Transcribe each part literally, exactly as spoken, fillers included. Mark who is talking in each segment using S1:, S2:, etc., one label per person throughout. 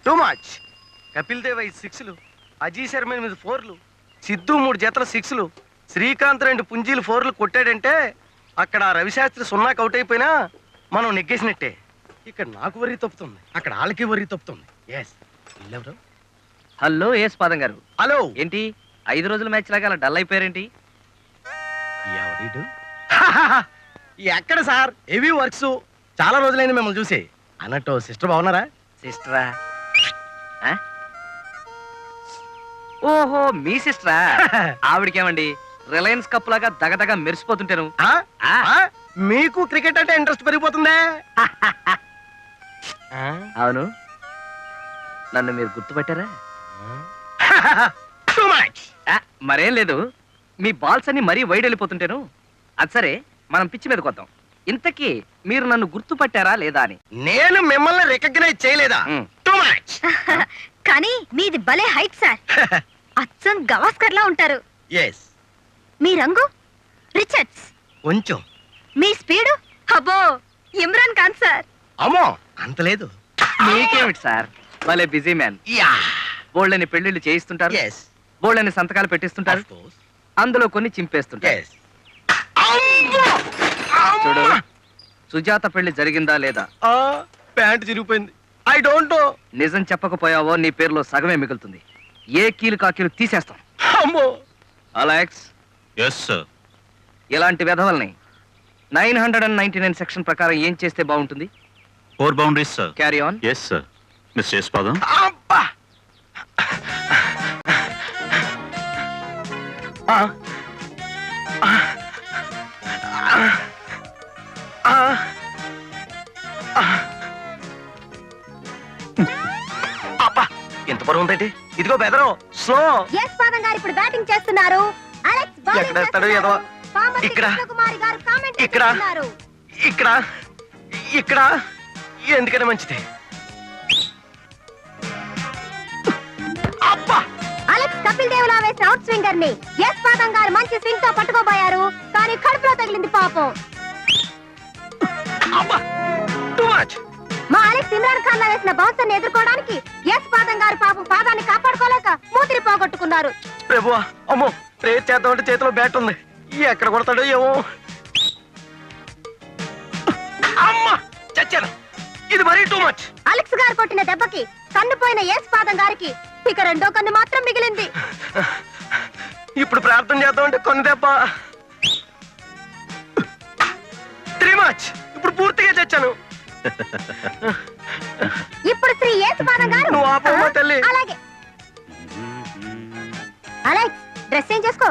S1: Too much. Kapil Dev ఐదు సిక్స్లు, అజీ శర్మ ఎనిమిది ఫోర్లు, సిద్ధు మూడు జతల సిక్స్లు, శ్రీకాంత్ రెండు పుంజీలు ఫోర్లు కొట్టాడంటే అక్కడ రవిశాస్త్రి సున్నాకి అవుట్ అయిపోయినా మనం నెగ్గేసినట్టే. ఇక్కడ నాకు వరి తప్పుతుంది, అక్కడ వాళ్ళకి వరి తప్పుతుంది. ఎస్ ఎవరు?
S2: హలో ఎస్ పాదం గారు.
S1: హలో.
S2: ఏంటి ఐదు రోజుల మ్యాచ్ లాగా అలా డల్ అయిపోయారేంటి?
S1: ఎవరిడు? ఎక్కడ సార్, హెవీ వర్క్స్, చాలా రోజులైంది మిమ్మల్ని చూసి. అన్నట్టు సిస్టర్ బాగున్నారా?
S2: సిస్టరా? ఓహో మీ సిస్టరా? ఆవిడకేమండి రిలయన్స్ కప్ లాగా దగదగ మెరిసిపోతుంటాను.
S1: మీకు క్రికెట్ అంటే ఇంట్రెస్ట్ పెరిగిపోతుందే.
S2: అవును, నన్ను మీరు గుర్తుపట్టారా? మరేం లేదు, మీ బాల్స్ అన్ని మరీ వైడ్ వెళ్ళిపోతుంటాను. అది సరే, మనం పిచ్చి మీదకి వద్దాం. ఇంతకీ మీరు నన్ను గుర్తుపట్టారా లేదా అని.
S1: నేను మిమ్మల్ని రికగ్నైజ్ చేయలేదా? Too much.
S3: కానీ మీది భలే హైట్ సార్. అచ్చం గవాస్కర్ లా ఉంటారు.
S1: ఎస్.
S3: మీ రంగు రిచర్డ్స్.
S1: కొంచెం.
S3: మీ స్పీడు అబ్బో ఇమ్రాన్ ఖాన్ సార్.
S1: అమ్మో అంత లేదు.
S2: మీకేమిటి సార్, భలే బిజీ మ్యాన్.
S1: యా.
S2: బోల్డని పెళ్లిళ్ళు చేయిస్తుంటారు,
S1: ఎస్.
S2: బోల్డని సంతకాలు పెట్టిస్తుంటారు, అందులో కొన్ని చింపేస్తుంటారు. చూడు, సుజాత పెళ్లి జరిగిందా లేదా?
S1: ప్యాంట్ చిరిగిపోయింది. I don't know.
S2: నిజం చెప్పకపోయావో నీ పేరులో సగమే మిగులుతుంది. ఏ కీలు కాకీలు తీసేస్తాం.
S1: అమ్మో.
S2: అలెక్స్.
S4: Yes sir.
S2: ఇలాంటి వెధవల్ని nine hundred and ninety nine section ప్రకారం ఏం చేస్తే బాగుంటుంది?
S4: Four boundaries sir.
S2: Carry on.
S4: Yes sir. Mister Yesupadam.
S1: అబ్బా. అబ్బా ఎంత బరువు ఉందండి. ఇదిగో బెదరు స్లో.
S3: ఎస్ పాదం గారు ఇప్పుడు బ్యాటింగ్ చేస్తున్నారు. అలెక్స్ బౌలింగ్
S1: ఎక్కడ వేస్తాడు ఏదో. ఇక్కడ ఇక్కడ ఇక్కడ ఇక్కడ ఎందుకనే మంచిది. అబ్బా.
S3: అలెక్స్ కపిల్ దేవ్ లా వేసిన అవుట్ స్వింగర్ ని ఎస్ పాదం గారు మంచి స్వింగ్ తో పట్టుకోబోయారు, కానీ కడుపులో తగిలింది పాపం.
S1: అబ్బా టూ మచ్.
S3: మా అలెక్స్ ఇమ్రాన్ ఖాన్ లా వేసిన బౌన్సర్ ని ఎదుర్కోవడానికి ఎస్ పాదం గారు పాపం పాదాన్ని కాపాడుకోలేక మూతిరి పోగొట్టుకున్నారు.
S1: ప్రభువా, అమ్మో ప్రేర్ చేద్దామంటే చేతిలో బ్యాట్ ఉంది, ఎక్కడ కొడతాడో ఏమో. అమ్మా చచ్చాను, ఇది మరీ టూ మచ్.
S3: అలెక్స్ గారు కొట్టిన దెబ్బకి కన్నుపోయిన ఎస్ పాదం గారికి ఇక రెండో కన్ను మాత్రం మిగిలింది.
S1: ఇప్పుడు ప్రార్థన చేద్దామంటే కొన్ని దెబ్బ. Three much. ఇప్పుడు పూర్తిగా చచ్చాను.
S3: ఇప్పుడు శ్రీ ఎస్ పాదం గారు.
S1: నువ్వు ఆపమ్మా తల్లి.
S3: అలాగే. అలెక్స్ డ్రెస్ చేంజ్ చేసుకో.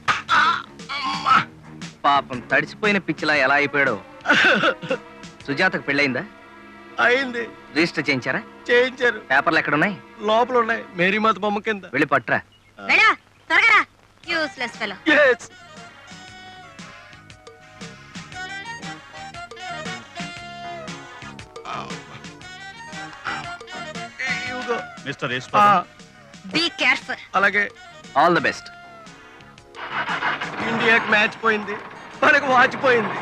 S2: పాపం తడిసిపోయిన పిచ్చిలా ఎలా అయిపోయాడో. సుజాతకు పెళ్ళయిందా?
S1: అయింది.
S2: రిజిస్టర్ చేయించారా?
S1: చేయించారు.
S2: పేపర్లు ఎక్కడున్నాయి?
S1: లోపల ఉన్నాయి, మేరీమాత బొమ్మ కింద.
S2: వెళ్ళి పట్టురా.
S3: వెళ్ళా త్వరగా రా. Useless fellow.
S1: yes.
S4: Mister Yesupadam.
S3: Be careful.
S1: అలాగే.
S2: All the best.
S1: ఇండియాకి మ్యాచ్ పోయింది, మనకు వాచ్ పోయింది.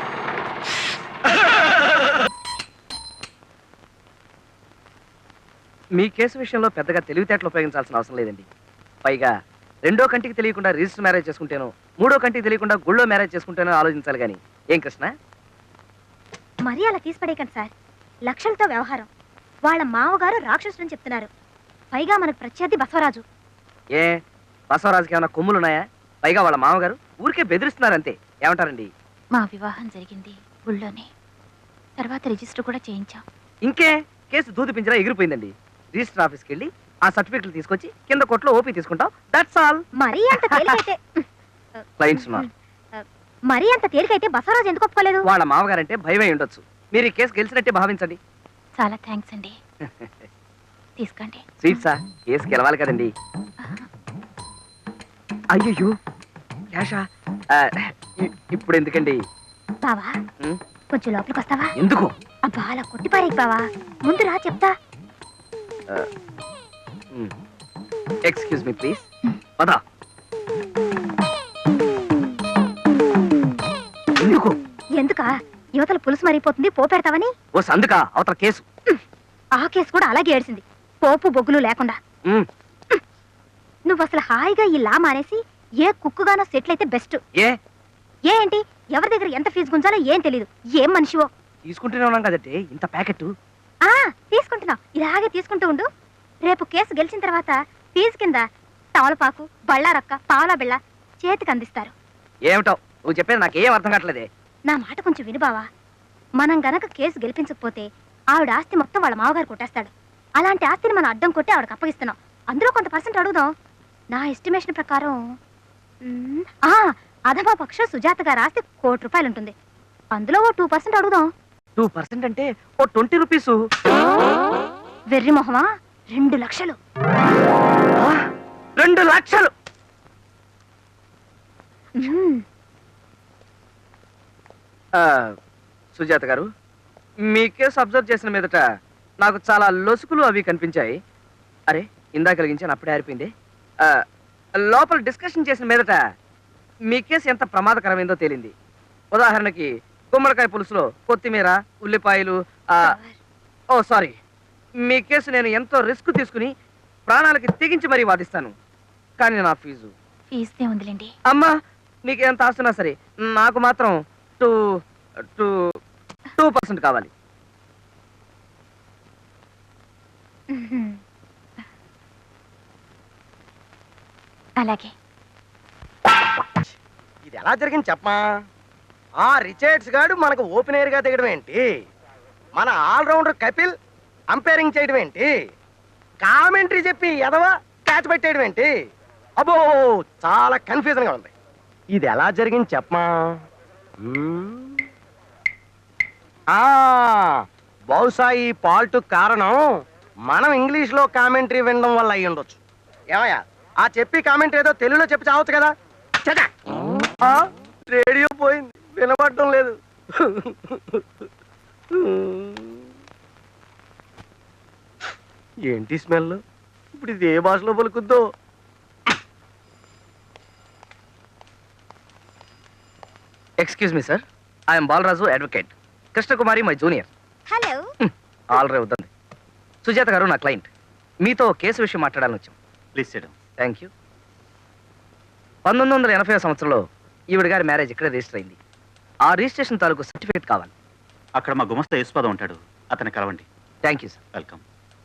S2: మీ కేసు విషయంలో పెద్దగా తెలివితేటలు ఉపయోగించాల్సిన అవసరం లేదండి. పైగా రెండో కంటికి తెలియకుండా రిజిస్టర్ మ్యారేజ్ చేసుకుంటేనో, మూడో కంటికి తెలియకుండా గుళ్ళో మ్యారేజ్ చేసుకుంటేనో ఆలోచించాలి కానీ. ఏం కృష్ణ?
S3: మరీ అలా తీసిపడేయకండి సార్. లక్షలతో వ్యవహారం. వాళ్ళ మామగారు రాక్షసుని చెప్తున్నారు. పైగా మనకు ప్రత్యర్థి బసవరాజు.
S2: ఏ బసవరాజుకి ఏమైనా కొమ్ములున్నాయా? పైగా వాళ్ళ మామగారు ఊరికే బెదిరిస్తున్నారంతే. ఏమంటారండి?
S5: మా వివాహం జరిగింది గుళ్ళోనే, తర్వాత రిజిస్టర్ కూడా చేయించాం.
S2: ఇంకే కేసు దూది పింజరా ఎగిరిపోయిందండి. రిజిస్టర్ ఆఫీస్కి వెళ్ళి ఆ సర్టిఫికెట్లు తీసుకొచ్చి కింద కోర్టులో ఓపీ తీసుకుంటాం. That's all.
S3: మరీ అంత తేలికైతే
S2: క్లయింట్స్ ఉన్నారు.
S3: మరీ అంత తేలికైతే బసవరాజు ఎందుకు ఒప్పుకోలేదు?
S2: వాళ్ళ మామగారంటే భయమై ఉండొచ్చు. మీరు ఈ కేసు గెలిచినట్టే భావించండి.
S5: చాలా థ్యాంక్స్ అండి. తీసుకోండి.
S2: స్వీట్సా? కేసు గెలవాలి కదండి. అయ్యో క్యాషా? ఇప్పుడు ఎందుకండి?
S3: బావా కొంచెం లోపలికి వస్తావా?
S2: ఎందుకు?
S3: అబ్బా అలా కొట్టిపారేకి బావా, ముందు రా చెప్తా.
S2: Excuse me please. పదా. ఎందుకు?
S3: ఎందుకా? యువతల పులుసు మరిగిపోతుంది, పో పెడతావని.
S2: ఓ సందుకా అవతల కేసు.
S3: ఆ కేసు కూడా అలాగే ఏడ్చింది. పోపు బొగ్గులు లేకుండా
S2: మ్,
S3: నువ్వు అసలు హాయిగా ఈ లా మానేసి ఏ కుక్కుగానో సెటిల్ అయితే బెస్ట్.
S2: ఏ
S3: ఏ ఏంటి ఎవరి దగ్గర ఎంత ఫీజు గుంజాలో ఏం తెలీదు. ఏం మనిషివో.
S2: తీసుకుంటూనే ఉన్నాం కదండి ఇంత ప్యాకెట్.
S3: ఆ తీసుకుంటున్నావు, ఇలాగే తీసుకుంటూ ఉండు. రేపు కేసు గెలిచిన తర్వాత ఫీజు కింద తవలపాకు, బళ్ళారక్క, పావలా బిళ్ళ చేతికి అందిస్తారు.
S2: ఏమిటో నువ్వు చెప్పేది నాకేం అర్థం కావట్లేదే.
S3: నా మాట కొంచెం విను బావా. మనం గనక కేసు గెలిపించకపోతే ఆవిడ ఆస్తి మొత్తం వాళ్ళ మామగారు కొట్టేస్తాడు. అలాంటి ఆస్తిని మనం అడ్డం కొట్టి ఆవిడకి అప్పగిస్తున్నాం. అందులో కొంత పర్సెంట్ అడుగుదాం. నా ఎస్టిమేషన్ ప్రకారం మ్, ఆ అధమా పక్ష సుజాత గారి ఆస్తి కోటి రూపాయలు ఉంటుంది. అందులో ఓ టూ పర్సెంట్ అడుగుదాం.
S2: టూ పర్సెంట్ అంటే ఓ ట్వంటీ రూపీసు.
S3: వెర్రి మొహమా, రెండు లక్షలు.
S2: రెండు లక్షలు.
S3: మ్,
S2: ఆ, సుజాత గారు, మీ కేసు అబ్జర్వ్ చేసిన మీదట నాకు చాలా లొసుకులు అవి కనిపించాయి. అరే ఇందాక కలిగించాను అప్పుడే ఆరిపోయింది. ఆ, లోపల డిస్కషన్ చేసిన మీదట మీ కేసు ఎంత ప్రమాదకరమైందో తేలింది. ఉదాహరణకి గుమ్మడికాయ పులుసులో కొత్తిమీర, ఉల్లిపాయలు. ఆ, ఓ సారీ, మీ కేసు నేను ఎంతో రిస్క్ తీసుకుని ప్రాణాలకి తెగించి మరీ వాదిస్తాను. కానీ నా ఫీజు
S5: ఫీజుదే ఉందిలేండి.
S2: అమ్మా, నీకు ఎంత ఆస్తున్నా సరే నాకు మాత్రం టూ టూ టూ పర్సెంట్ కావాలి.
S3: మ్హూ.
S5: అలాగే.
S1: ఇది ఎలా జరిగింది చెప్పమా? ఆ రిచర్డ్స్ గాడు మనకు ఓపెనర్ గా దిగడం ఏంటి? మన ఆల్రౌండర్ కపిల్ అంపైరింగ్ చేయడం ఏంటి? కామెంటరీ చెప్పి ఎదవా క్యాచ్ పెట్టేయడం ఏంటి? అబ్బో చాలా కన్ఫ్యూజన్ గా ఉంది. ఇది ఎలా జరిగింది చెప్పమా? మ్మ్. ఆ బహుశా ఈ పాల్ట్ కారణం మనం ఇంగ్లీష్ లో కామెంటరీ వినడం వల్ల అయ్యి ఉండొచ్చు. ఏమయ్యా, ఆ చెప్పి కామెంట్ ఏదో తెలుగులో చెప్పి చావచ్చు కదా. చటా! ఆ, రేడియో పోయింది, వినపడటం లేదు. ఏంటి స్మెల్? ఇప్పుడు ఇది ఏ భాషలో పలుకుద్దో?
S2: Excuse me sir, I'm Balaraju advocate. Krishnakumari my junior.
S3: Hello.
S2: ఆల్ రే వద్దండి. సుజాత గారు నా క్లయింట్. మీతో కేసు విషయం మాట్లాడాలని వచ్చాం.
S4: Please sit down.
S2: Thank you. పంతొమ్మిది వందల ఎనభై సంవత్సరంలో ఈవిడ గారి మ్యారేజ్ ఇక్కడే రిజిస్టర్ అయింది. ఆ రిజిస్ట్రేషన్ తాలూకు సర్టిఫికేట్ కావాలి.
S4: అక్కడ మా గుమస్తా యేసుపాదం ఉంటాడు, అతన్ని కలవండి.
S2: Thank you sir.
S4: Welcome.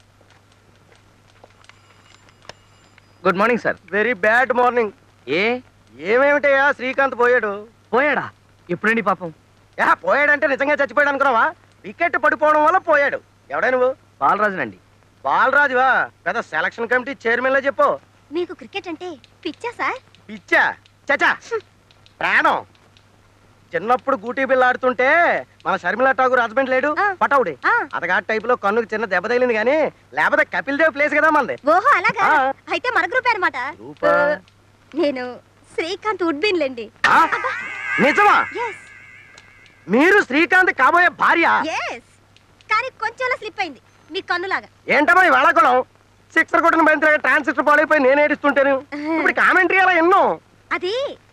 S2: Good morning sir.
S1: Very bad morning.
S2: ఏ
S1: ఏమేమిటయ్యా, శ్రీకాంత్ పోయాడు.
S2: పోయాడా? ఎప్పుడండి పాపం?
S1: యా పోయాడంటే నిజంగా చచ్చిపోయాడు అనుకున్నావా? వికెట్ పడిపోవడం వల్ల పోయాడు. ఎవడా నువ్వు?
S2: బాలరాజునండి.
S1: బాలరాజువా? పెద్ద సెలక్షన్ కమిటీ చైర్మన్ లా చెప్పు.
S3: మీకు క్రికెట్ అంటే పిచ్చా సార్?
S1: పిచ్చా? చచా, ప్రాణం. చిన్నప్పుడు గూటీ బిల్ల ఆడుతుంటే మన షర్మిలా ఠాగూర్ హస్బెండ్ లేడు,
S3: ఆ.
S1: పటౌడి.
S3: ఆ.
S1: అతగాడి టైప్ లో కన్నుకు చిన్న దెబ్బ తగిలింది కానీ లేకపోతే కపిల్ దేవ్ ప్లేస్ కదా మనది.
S3: ఓహో అలాగా.
S1: ఆ.
S3: అయితే మన గ్రూప్ అనమాట.
S1: గ్రూపా?
S3: నేను శ్రీకాంత్ ఉడ్బిన్ లేండి.
S1: ఆ? నిజమా?
S3: ఎస్
S1: మీరు శ్రీకాంత్ కాబోయే భార్య?
S3: ఎస్ కానీ కొంచెంలా స్లిప్ అయింది మీ కన్నులాగా.
S1: ఏంటమ్మా ఈ వేళాకుళం? సిక్సర్ కొట్టిన బంతి ట్రాన్సిస్టర్ పాడైపోయి నేను ఏడుస్తుంటాను. ఇప్పుడు కామెంటరీ అలా ఎన్నో.
S3: అది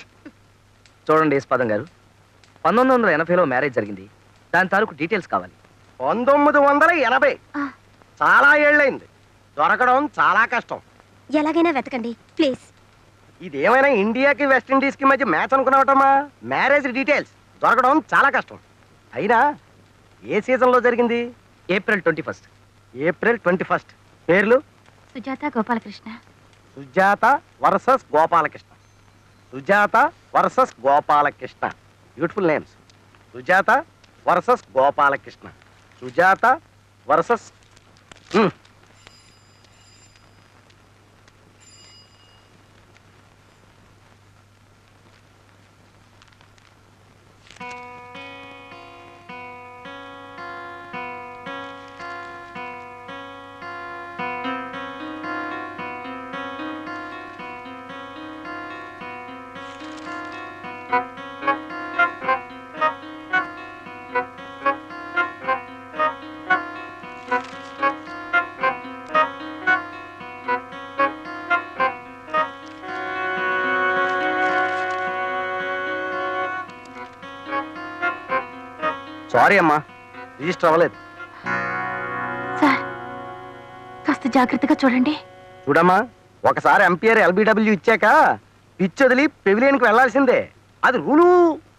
S2: చూడండి యేసుపాదం గారు, పంతొమ్మిది వందల ఎనభైలో మ్యారేజ్ జరిగింది. దాని తాలూకు డీటెయిల్స్ కావాలి.
S1: పంతొమ్మిది వందల ఎనభై
S3: ఆ,
S1: చాలా ఏళ్ళైంది. దొరకడం చాలా కష్టం.
S3: ఎలాగైనా వెతకండి ప్లీజ్.
S1: ఇదేమైనా ఇండియాకి వెస్టిండీస్ కి మధ్య మ్యాచ్ అనుకున్నావటమ్మా? మ్యారేజ్ డీటెయిల్స్ దొరకడం చాలా కష్టం. అయినా ఏ సీజన్ లో జరిగింది?
S2: April twenty first.
S1: April twenty first. పేర్లు?
S5: Sujatha Gopalakrishna.
S1: Sujatha versus Gopalakrishna. Sujatha versus Gopalakrishna. Beautiful names. Sujatha versus Gopalakrishna. Sujatha versus sorry అమ్మా, రిజిస్టర్ అవ్వలేదు.
S5: సార్ కాస్త జాగ్రత్తగా చూడండి.
S1: చూడమ్మా, ఒకసారి ఎంపీఆర్ ఎల్బిడబ్ల్యూ ఇచ్చాక పిచ్ వదిలి పెవిలియన్కి వెళ్లాల్సిందే. అది రూలు.